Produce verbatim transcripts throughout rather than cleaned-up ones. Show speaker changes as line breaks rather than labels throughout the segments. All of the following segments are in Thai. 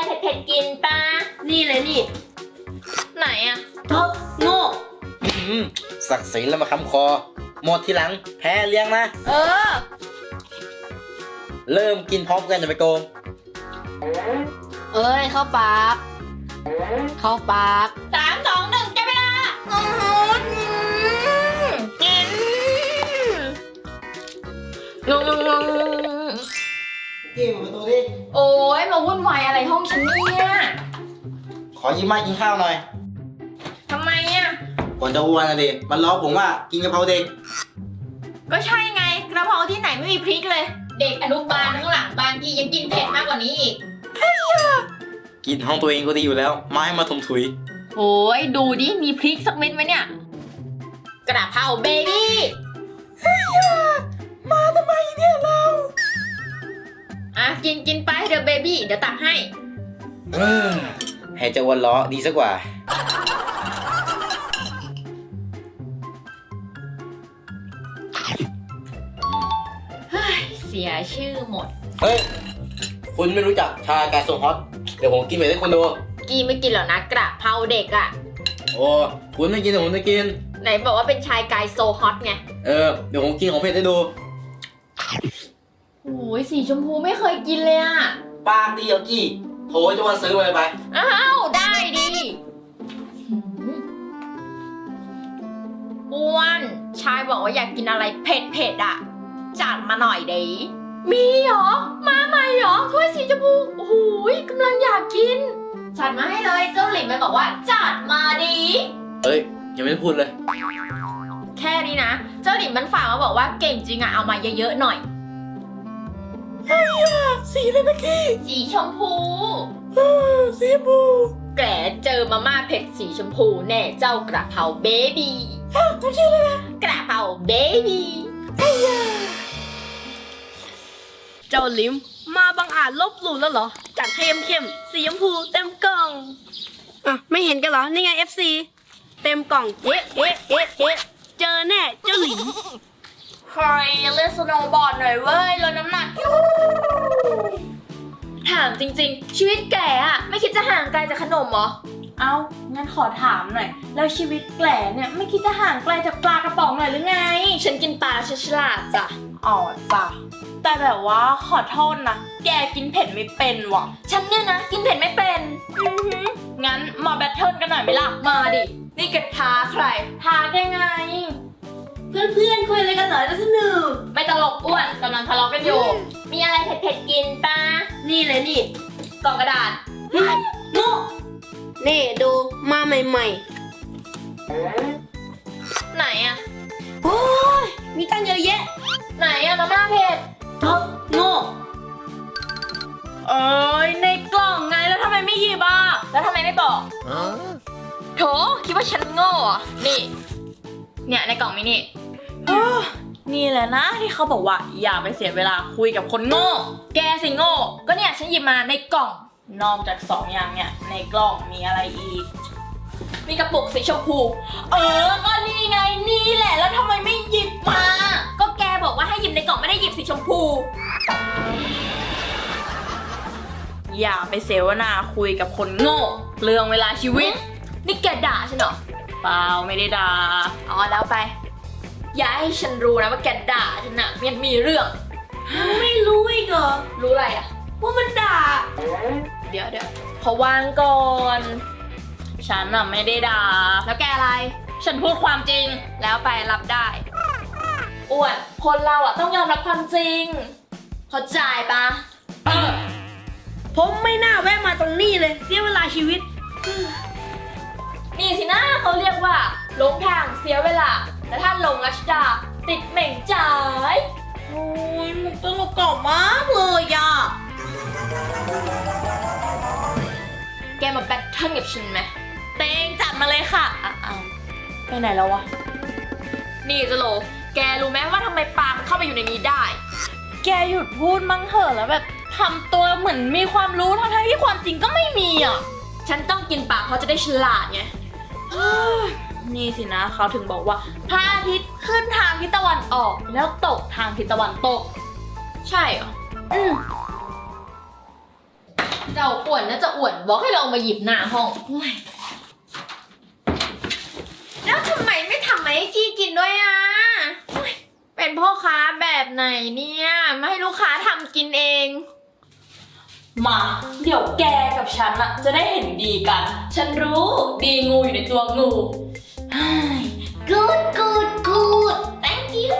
เผ็ดๆกินปะ
นี่เลยนี่
ไหนอะ
เธอโง่
ศักดิ์ศรีแล้วมาค้ำคอหมดทีหลังแพ้เลี้ยงนะ
เออ
เริ่มกินพร้อมกันจะไปโกง
เอ้ยเข้าปากเข้าปาก
สามสองหนึ่งจับเวลากินงงงง
กี้เปิดประตูดิ
โอ้ยมาวุ่นวายอะไรห้องฉันเนี่ย
ขอยิ้มมากินข้าวหน่อย
ทำไมอ่ะ
ก่อนจะอ้วนนะดิมันล้อผมว่ากินกะเพราเด็ก
ก็ใช่ไงกระเพราที่ไหนไม่มีพริกเลยเด็กอนุบาลข้างหลังบางทียังกินเผ็ดมากกว่านี้อีก
กินห้องตัวเองก็ดีอยู่แล้วมาให้มาถมถุย
โอ้ยดูดิมีพริกสักเม็ดไหมเนี่ยกระเพราเบบี้
มาทำไมเนี่ยเรา
อ่ะกินกินไปเดี๋ยวเบบี้เดี๋ยวตักให้
เออให้เจ้าวันล้อดีสักกว่า
เสียชื่อหมด
เฮ้ยคุณไม่รู้จักชาไก่ทรงฮอตเดี๋ยวผมกินไปให้คุณดู
กีไม่กินหรอกนะกระเพราเด็กอ่ะ
โอ้คุณไม่กินแต่ผมจะกิน
ไหนบอกว่าเป็นชายกายโซฮอตไง
เออเดี๋ยวผมกินของเผ็ดให้ดู
โอ้ยสีชมพูไม่เคยกินเลยอ่ะ
ปากดีเอากี้โถจะวันซื้อไปไป
อ้าวได้ดิอ้วนชายบอกว่าอยากกินอะไรเผ็ดเผ็ดอ่ะจัดมาหน่อยดิมีเหรอมาใหม่เหรอถ้วยสีชมพูโอ้โหกำลังอยากกินจัดมาให้เลยเจ้าหลินมันบอกว่าจัดมาดิ
เอ้ยยังไม่ได้พูดเลย
แค่นี้นะเจ้าหลินมันฝากมาบอกว่าเก่งจริงอะเอามาเยอะๆหน่อย
เฮ้ยสีอะไรนะกี้
สีชมพู
สีชมพู
แกเจอมาม่าเผ็ดสีชมพูแน่เจ้ากระเพราเบบี้
ทำชื่อเลยนะ
กระเพราเบบี้
เจ้าลิมมาบังอาจลบหลู่แล้วเหรอจัดให้เข้มๆสีชมพูเต็มกล่องอ่ะไม่เห็นกันเหรอนี่ไง เอฟ ซี เต็มกล่องเอ๊ะเอ๊ะเอ๊ะเอ๊ะเจอแน่เจ้าลิม
ใครเล่นสโนว์บอร์ดหน่อยเว้ยลดน้ำหนักถามจริงๆชีวิตแกอะไม่คิดจะห่างไกลจากขนมเหรอ
เอ้างั้นขอถามหน่อยแล้วชีวิตแกล่เนี่ยไม่คิดจะห่างไกลจากปลากระป๋องหน่อยหรือไง
ฉันกินปลาฉลาดจ้ะ
อ๋อจ้ะแต่แบบว่าขอโทษนะแกกินเผ็ดไม่เป็นว่ะ
ฉันเนี่ยนะกินเผ็ดไม่เป็น
อือหืองั้นมาแบทเทิลกันหน่อยไหมล่ะ
มาดินี่กระท้าใคร
ท้าแกไงเพื่อนๆคุยอะไรกันเหรอจะสนุก
ไม่ตลกอ้วนกำลังทะเลาะกันอยู่มีอะไรเผ็ดๆกินปะ
นี่เลยนี่
กล่องกระดาษ
โง่นี่ดูมาใหม่ๆ
ไหนอะ
โอ้ยมีตั้งเยอะแยะ
ไหนอะมาม่าเผ็ด
เธอโง่เอ้ยในกล่องไงแล้วทำไมไม่หยิบอ่ะ
แล้วทำไมไม่บอกโถคิดว่าฉันโง่อะนี่เนี่ยในกล่องมินี่
นี่แหละนะที่เขาบอกว่าอย่าไปเสียเวลาคุยกับคนโง่
แกสิโง่ก็เนี่ยฉันหยิบมาในกล่อง
นอกจากสองอย่างเนี่ยในกล่องมีอะไรอีก
มีกระปุกสีชมพู
เออก็นี่ไงนี่แหละแล้วทำไมไม่หยิบมา
ก็แกบอกว่าให้หยิบในกล่องไม่ได้หยิบสีชมพู
อย่าไปเสวนาคุยกับคนโง่เรื่องเวลาชีวิต
นี่แกด่าฉันเหรอ
เปล่าไม่ได้ด่า
อ๋อแล้วไปอย่าให้ฉันรู้นะว่าแกด่าฉันน่ะมันมีเรื่อง
ไม่รู้อีกเหรอ
รู้อะไรอะ
ว่ามันด่า
เดี๋ยวเดี๋ยวขอวางก่อน
ฉันน่ะไม่ได้ด่า
แล้วแกอะไร
ฉันพูดความจริง
แล้วไปรับได้อ้วนคนเราอ่ะต้องยอมรับความจริงเข้าใจปะ
เออผมไม่น่าแวะมาตรงนี้เลยเสียเวลาชีวิต
นี่สินะเขาเรียกว่าหลงทางเสียเวลาแต่ถ้าหลงรัชดาติดเหม่งจ่าย
โอ้ยมุกตลกเก่ามากเลยอ่ะ
แกมาแบทเทิลกับฉันไหม
เต็งจัดมาเลยค่ะอ้าวไปไหนแล้ววะ
นี่จะโลแกรู้ไหมว่าทำไมปลามันเข้าไปอยู่ในนี้ได้
แกหยุดพูดมั่งเหอะแล้วแบบทำตัวเหมือนมีความรู้ทั้งที่ความจริงก็ไม่มีอ่ะ
ฉันต้องกินปลาเพราะจะได้ฉลาดไง
นี่สินะเขาถึงบอกว่าพระอาทิตย์ขึ้นทางทิศตะวันออกแล้วตกทางทิศตะวันตก
ใช่เหรออืมเจ้าป่วนน่าจะอวดบอกให้เรามาหยิบหน้าห้องโอ้ยแล้วทำไมไม่ทำให้กี้กินด้วยอ่ะโอ้ยเป็นพ่อค้าแบบไหนเนี่ยไม่ให้ลูกค้าทำกินเอง
มาเดี๋ยวแกกับฉันอะจะได้เห็นดีกัน ฉันรู้ดีงูอยู่ในตัวงู
good good good thank you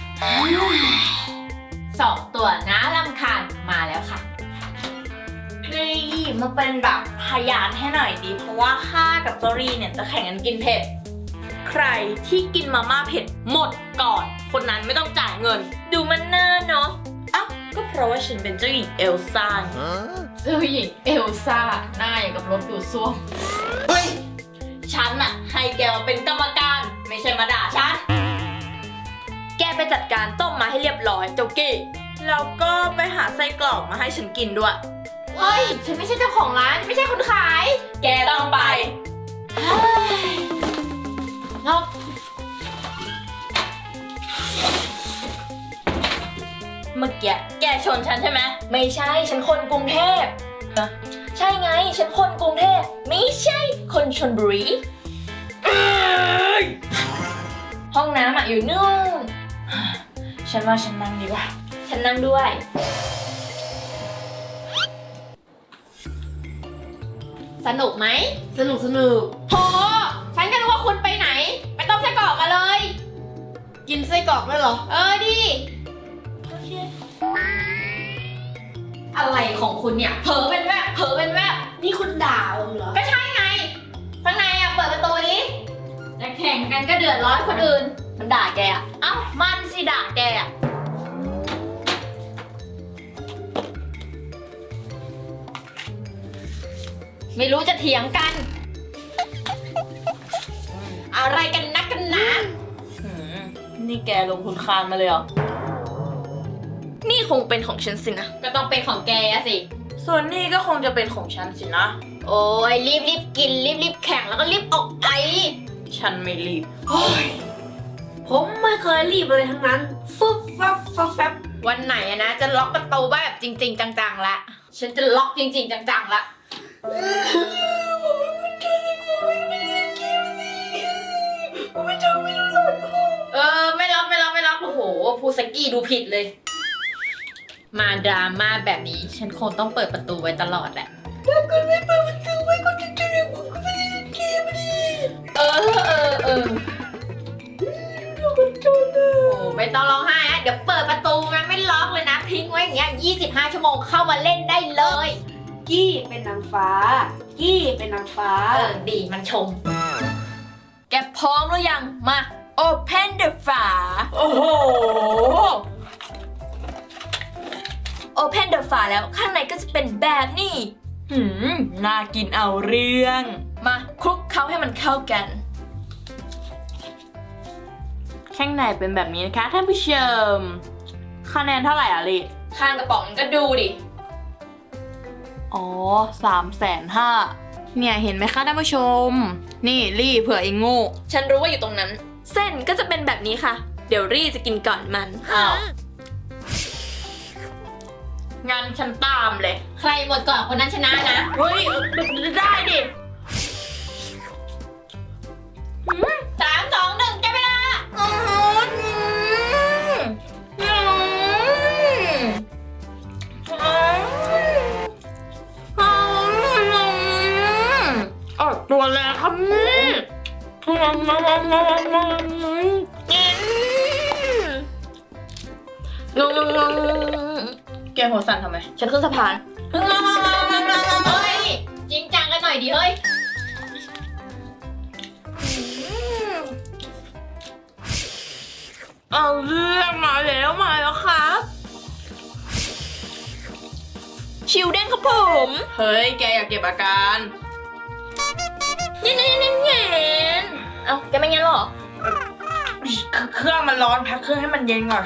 สองตัวน้ารำคาญมาแล้วค่ะ
นี่มาเป็นแบบพยานให้หน่อยดี เพราะว่าข้ากับจอรี่เนี่ยจะแข่งกันกินเผ็ด ใครที่กินมาม่าเผ็ดหมดก่อน คนนั้นไม่ต้องจ่ายเงิน ดูมันน่าเนาะอ้าวก็เพราะว่าฉันเป็นเจ้าหญิงเอลซ่า
เจ้าหญิงเอลซ่าหน้าอย่างกับรถดูดซ่วม
เฮ้ย ฉันอะให้แกมาเป็นกรรมการ ไม่ใช่มาด่าฉัน แกไปจัดการต้มมาให้เรียบร้อยเจ้ากี้แล้วก็ไปหาไส้กรอกมาให้ฉันกินด้วย
เฮ้ย ฉันไม่ใช่เจ้าของร้าน ไม่ใช่คนขาย
แกต้องไป
นอก
เมื่อกี้แกชนฉันใช่ไหมไม่ใช่ฉันคนกรุงเทพฮะใช่ไงฉันคนกรุงเทพไม่ใช่คนชลบุรีห้องน้ำอะอยู่นู่นฉันว่าฉันนั่งดีกว่าฉันนั่งด้วย
สนุกไหม
สนุกสนุก
โห ฉันก็นึกว่าคุณไปไหน ไปต้มไส้กรอกมาเลย
กินไส้กรอกด้วยเหรอ
เออดิ
โอเค
อะไรของคุณเนี่ย เผลอเป็นแวบเผลอเป็นแวบ
นี่คุณด่าผมเหรอ
ก็ใช่ไง ข้างในอ่ะ เปิดประตูดิจะแข่งกันก็เดือดร้อนคนอื่น
มันด่าแกอะเอ้ามันสิด่าแกอะ
ไม่รู้จะเถียงกัน อะไรกันนักกันหนา
หืมนี่แกลงทุนคานมาเลยเหรอนี่คงเป็นของฉันสินะ
ก็ต้องเป็นของแกอะสิ
ส่วนนี่ก็คงจะเป็นของฉันสินะ
โอ้ยรีบรีบกินรีบรีบแข่งแล้วก็รีบออกไป
ฉันไม่รีบ
ผมไม่เคยรีบเลยทั้งนั้น ฟึบฟับฟับแฟบ
วันไหนอะนะจะล็อกประตูแบบจริง ๆ จังๆละฉันจะล็อกจริง ๆ จังๆละเออไม่ล็อกไม่ล็อกไม่ล็อกโอ้โหพูสกี้ดูผิดเลย มาดราม่าแบบนี้ฉันคงต้องเปิดประตูไว้ตลอดแหละถ้าคุณไม่เปิดประตูไว้ก็จะเจอผมก็ไม่ได้เล่นเกมดิเออเออเออโอ้ไม่ต้องร้องไห้นะเดี๋ยวเปิดประตูมันไม่ล็อกเลยนะทิ้งไว้อย่างเงี้ยยี่สิบห้าชั่วโมงเข้ามาเล่นได้เลย
กี้เป็นนางฟ้า กี้เป็นนางฟ้า
เออดีมันชม
แกพร้อมหรือยัง มา Open the ฝา
โอ้โห
Open the ฝาแล้วข้างในก็จะเป็นแบบนี้ หืม น่ากินเอาเรื่อง มาคลุกเคล้าให้มันเข้ากัน ข้างในเป็นแบบนี้นะคะท่านผู้ชม คะแนนเท่าไหร่อ่ะลิข้างกระป๋องก็ดูดิ อ๋อสามแสนห้าเนี่ยเห็นไหมคะท่านผู้ชม นี่รี่เผื่อเองโง่ ฉันรู้ว่าอยู่ตรงนั้น เส้นก็จะเป็นแบบนี้ค่ะ เดี๋ยวรี่จะกินก่อนมัน อ้าวงั้นฉันตามเลย
ใครหมดก่อนคนนั้นชนะนะ
เฮ้ย ได้ดิ
สามสองหนึ่งจับเวลา
อืมอืมอืมออกตัวแล้วครับนี่แกหัวสั่นทำไม ฉันขึ้นสะพาน
เฮ้ย จริงจังกันหน่อยดิเฮ้ย
เอาเรื่องมาแล้วมาแล้วครับ ชิวเด้งครับผม เฮ้ย แกอยากเก็บอาการเย็นเย็นเย็นเย็นเอ้าแกไม่เย็นหรอ เครื่องมันร้อนพักเครื่องให้มันเย็นก่อน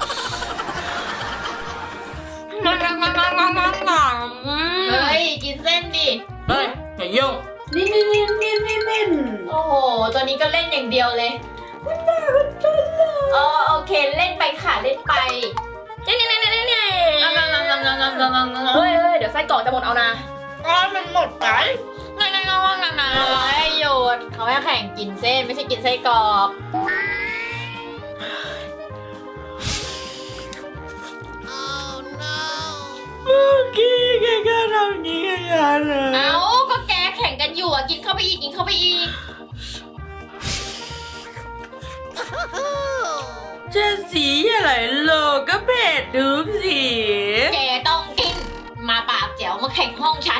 งงงงงงงงง
เฮ้ย กินเส้นดิ
เฮ้ยอย่ายุ่ง
นี่นี่นี่นี่นี่นี่
โอ้โห ตัวนี้ก็เล่นอย่างเดียวเลยอ๋อโอเค เล่นไปค่ะ เล่นไป
เฮ้ยเฮ้ยเดี๋ยวไส้กรอกจะหมดเอานะก็มันหมดไปงั้นงั้นงั้นงั้นงั้น
โอ้ยหยุดเขาให้แข่งกินเส้นไม่ใช่กินไส้กรอก
เมื่อกี้แกก็ทำอย่างนี้กับฉันเลย
เอ้าก็แกแข่งกันอยู่อ่ะกินเข้าไปอีกกินเข้าไปอีก
จะสีอะไรโลกก็เผ็ดทุกสี
แกต้องกิน มาปากแจ๋วมาแข่งห้องฉัน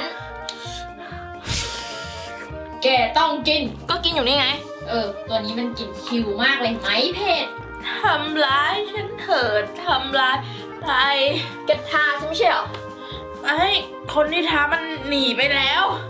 แกต้องกิน
ก็กินอยู่นี่ไง
เออ ตัวนี้มันกินคิวมากเลยไหมเผ็ด
ทำร้ายฉันเถิดทำร้ายไป
แกทาใช่ไม่ใช่เหรอ
ไอ้คนที่ท้ามันหนีไปแล้ว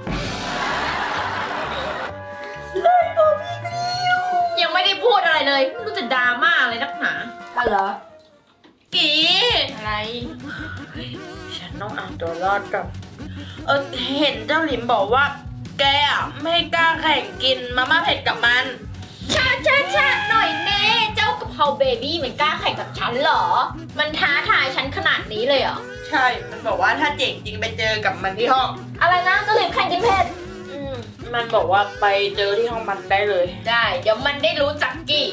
ยังไม่ได้พูดอะไรเลยไม่รู้จะดราม่าอะไรนักหนา
อะไรเหรอ
กี
อะไร
ฉันต้องเอาตัวรอดกับ เออเห็นเจ้าหลิมบอกว่า แกอ่ะไม่กล้าแข่งกินมาม่าเผ็ดกับมัน
ชาชาชาหน่อยแน่เจ้ากะเพราเบบี้มันกล้าแข่งกับฉันเหรอ มันท้าทายฉันขนาดนี้เลยเหรอ
ใช่ มันบอกว่าถ้าเจ๋งจริงไปเจอกับมันที่ห้อง
อะไรนะเจ้าหลิมแข่งกินเผ็ด
อืมมันบอกว่าไปเจอที่ห้องมันได้เลย
ได้ เดี๋ยวมันได้รู้จักกี่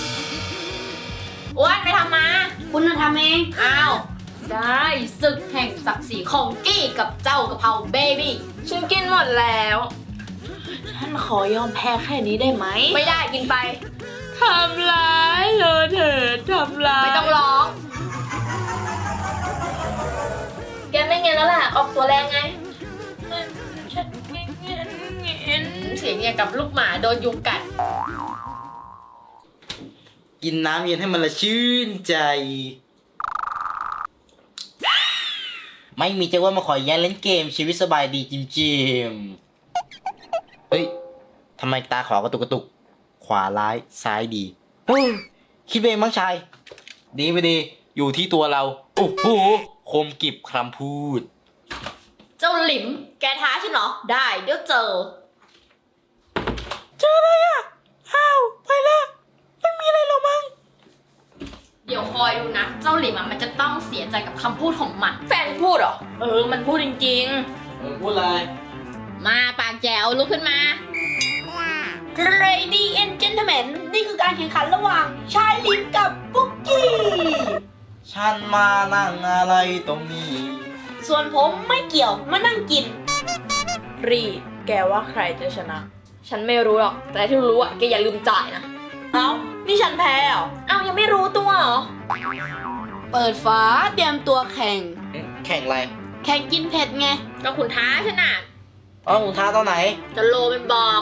อ้วนไปทำมา
คุณน่ะทำเอง
อ้าว ได้ศึกแห่งศักดิ์ศรีของกี้กับเจ้ากะเพราเบบี้
ฉันกินหมดแล้ว ฉันขอยอมแพ้แค่นี้ได้ไหม
ไม่ได้กินไป
ทำร้ายเลยเถิดทำร้าย
ไม่ต้องร้อง แกไม่เงี้ยแล้วล่ะ ออกตัวแรงไง
ฉันเงี้ยเงี้ยเงี้ย
เสียงอย่างกับลูกหมาโดนยุงกัด
กินน้ำเย็นให้มันละชื่นใจ ไม่มีจะว่ามาขอแย่งเล่นเกมชีวิตสบายดีจิมจิมเฮ้ยทำไมตาขวากระตุกกระตุก ขวาร้ายซ้ายดีเฮ้ยคิดเองมั้งชาย ดีไม่ดี อยู่ที่ตัวเรา โอ้โหคมกริบคำพูด
เจ้าหลิม แกท้าฉันเหรอ ได้ เดี๋ยวเจอ
เจออะไรอ่ะ อ้าว ไปละไม่มีอะไรหรอกมั้ง
เดี๋ยวคอยดูนะ เจ้าหลิมอะมันจะต้องเสียใจกับคำพูดของมัน
แฟนพูดเหรอ เออ มันพูดจริง
เออพูดอะไร
มาปากแจ๋วลุกขึ้นมา
ๆ Lady and Gentlemen นี่คือการแข่งขันระหว่างชายลิมกับปุ๊กกี้
ฉันมานั่งอะไรตรงนี้
ส่วนผมไม่เกี่ยวมานั่งกิน
ๆ รี แกว่าใครจะชนะ
ฉันไม่รู้หรอก แต่ที่รู้อะแกอย่าลืมจ่ายนะ
เอ้า นี่ฉันแพ้เหรอ
เอ้ายังไม่รู้ตัวเหรอ
เปิดฝาเตรียมตัวแข่ง
แข่งอะไร
แข่งกินเผ็ดไง
ก็คุณท้าฉันน่ะ
อ๋อคุณท้าตอนไหน
จะโลเป็นบอก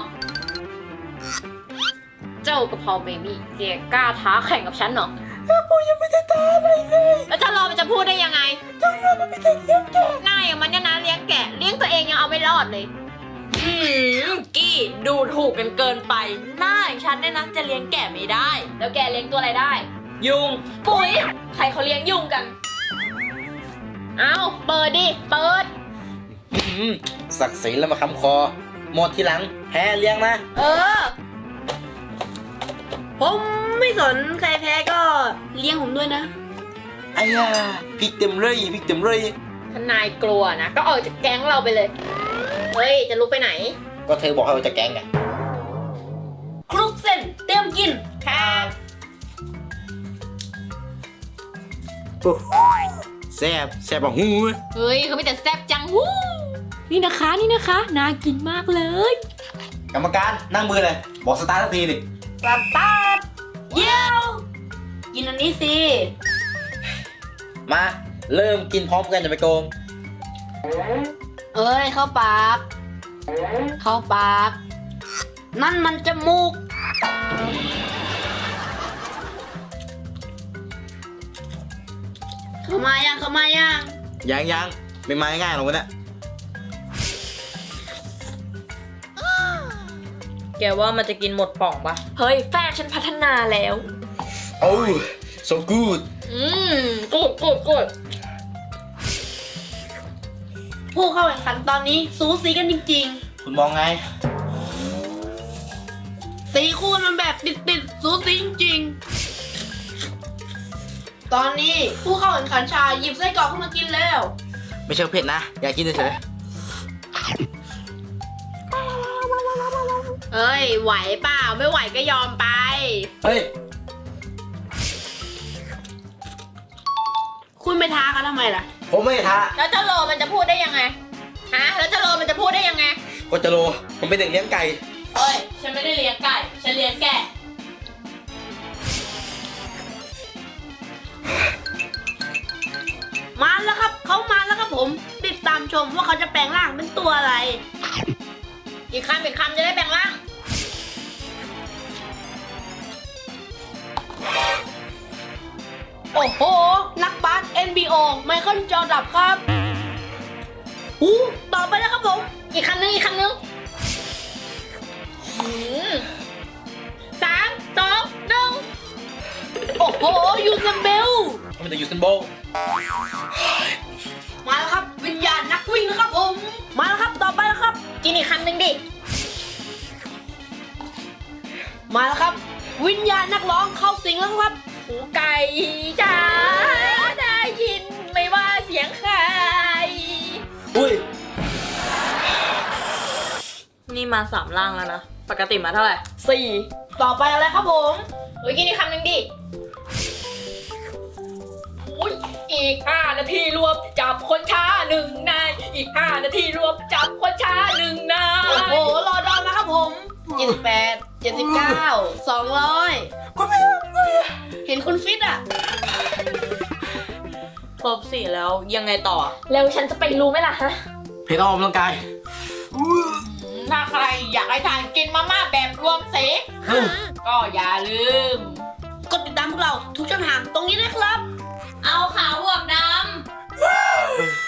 เจ้ากะเพราเบบี้แกกล้าท้าแข่งกับฉันเหรอผมยังไม่ได้ท้าอะไรเลยแล้วจะรอมันจะพูดได้ยังไงจะรอมันไม่ได้เลี้ยงแกะหน้าอย่างมันเนี่ยนะเลี้ยงแกะเลี้ยงตัวเองยังเอาไม่รอดเลย
อืม กี้ดูถูกกันเกินไป หน้าอย่างฉันเนี่ยนะจะเลี้ยงแกะไม่ได้
แล้วแกเลี้ยงตัวอะไรได้
ยุง
ปุ๋ย ใครเขาเลี้ยงยุงกัน เอาเปิดดิ เปิด
อื้อหือศักดิ์ศรีแล้วมาค้ำคอ หมดทีหลัง แพ้เลี้ยงนะ
เออ
ผมไม่สนใครแพ้ก็เลี้ยงผมด้วยนะ
ไอ้ยาพริกเต็มเลยพริกเต็มเลย
ถ้านายกลัวนะ ก็ออกจากแก๊งเราไปเลย เฮ้ย จะลุกไปไหน
ก็เธอบอกให้เราจะแกล้งไง
คลุกเส้นเตรียมกิน
ครับ
แซ่บแซ่บแบบหู
เฮ้ยเขาไม่แต่แซ่บจังฮู้นี่นะคะ นี่นะคะ น่ากินมากเลย
กรรมการนั่งมือเลย บอกสตาร์ทสักทีดิ
สตาร์ทเยี่ยวกินอันนี้สิ
มาเริ่มกินพร้อมกันจะไปโกง
เอ้ย เข้าปาก เข้าปาก นั่นมันจมูก เข้ามายัง เข้ามายัง
ยังยังไม่มาง่ายๆหรอกวะเนี่ย
แกว่ามันจะกินหมดป่องปะเฮ้ย แฟนฉันพัฒนาแล้ว
โอ้ so good
อืมกูดกูดกูด
ผู้เข้าแข่งขันตอนนี้สูสีกันจริง
คุณมองไง
ๆ สีคู่มันแบบติดๆ สูสีจริงๆ ตอนนี้ผู้เข้าแข่งขันชายหยิบไส้กรอกเข้ามากินแล้ว
ไม่ใช่เผ็ดนะ อยากกินเฉย
เอ้ยไหวเปล่าไม่ไหวก็ยอมไป
เฮ้ย
คุณไปท้ากันทำไมล่ะ
ผมไม่ท้า
แล้วเจ้าโลมันจะพูดได้ยังไงฮะแล้วเจ้าโลมันจะพูดได้ยังไง
ก็จะโลผมเป็นเด็กเลี้ยงไก่
เฮ้ย ฉันไม่ได้เลี้ยงไก่ ฉันเลี้ยงแกะ
มาแล้วครับเขามาแล้วครับผม ติดตามชมว่าเขาจะแปลงร่างเป็นตัวอะไร
อีกคำอีกคำจะได้แบ่งร่าง
โอ้โห นักบาส เอ็น บี โอ ไมเคิลจอร์ดับครับหูต่อไปแล้วครับผม
อีกคำนึงอีกคำนึงหืมสามสองหนึ่ง
โอ้โห ยูซัมเบล
ผมเป็นเด็กยูเซนโบล
มาแล้วครับ วิญญาณนักวิ่งนะครับผม มาแล้วครับ ต่อไปแล้วครับ
กินอีกคำนึงดิ
มาแล้วครับ วิญญาณนักร้องเข้าสิงแล้วครับ
หูไก่จ้าได้ยินไม่ว่าเสียงใคร
อุ้ย
นี่มาสามร่างแล้วนะ ปกติมาเท่าไหร่
สี่
ต่อไปอะไรครับผม
เฮ้ยกินอีกคำนึงดิอุ้ยอีกห้านาทีรวมจับคนช้าหนึ่งนาย อีกห้านาทีรวมจับคนช้าหนึ่งนาย
โอ้โห รอดอนนะครับผม
เจ็ดสิบแปด
เจ็ดสิบเก้า สองร้อย เห็นคุณฟิตอ่ะ
ครบสี่แล้วยังไงต่อ
แล้วฉันจะไปรู้ไหมล่ะฮะ
เพจออกกำลังกาย
ถ้าใครอยากให้ทานกินมาม่าแบบรวมสีก็อย่าลืม
กดติดตามพวกเราทุกช่องทางตรงนี้นะครับ
เอาขาวบวกดำ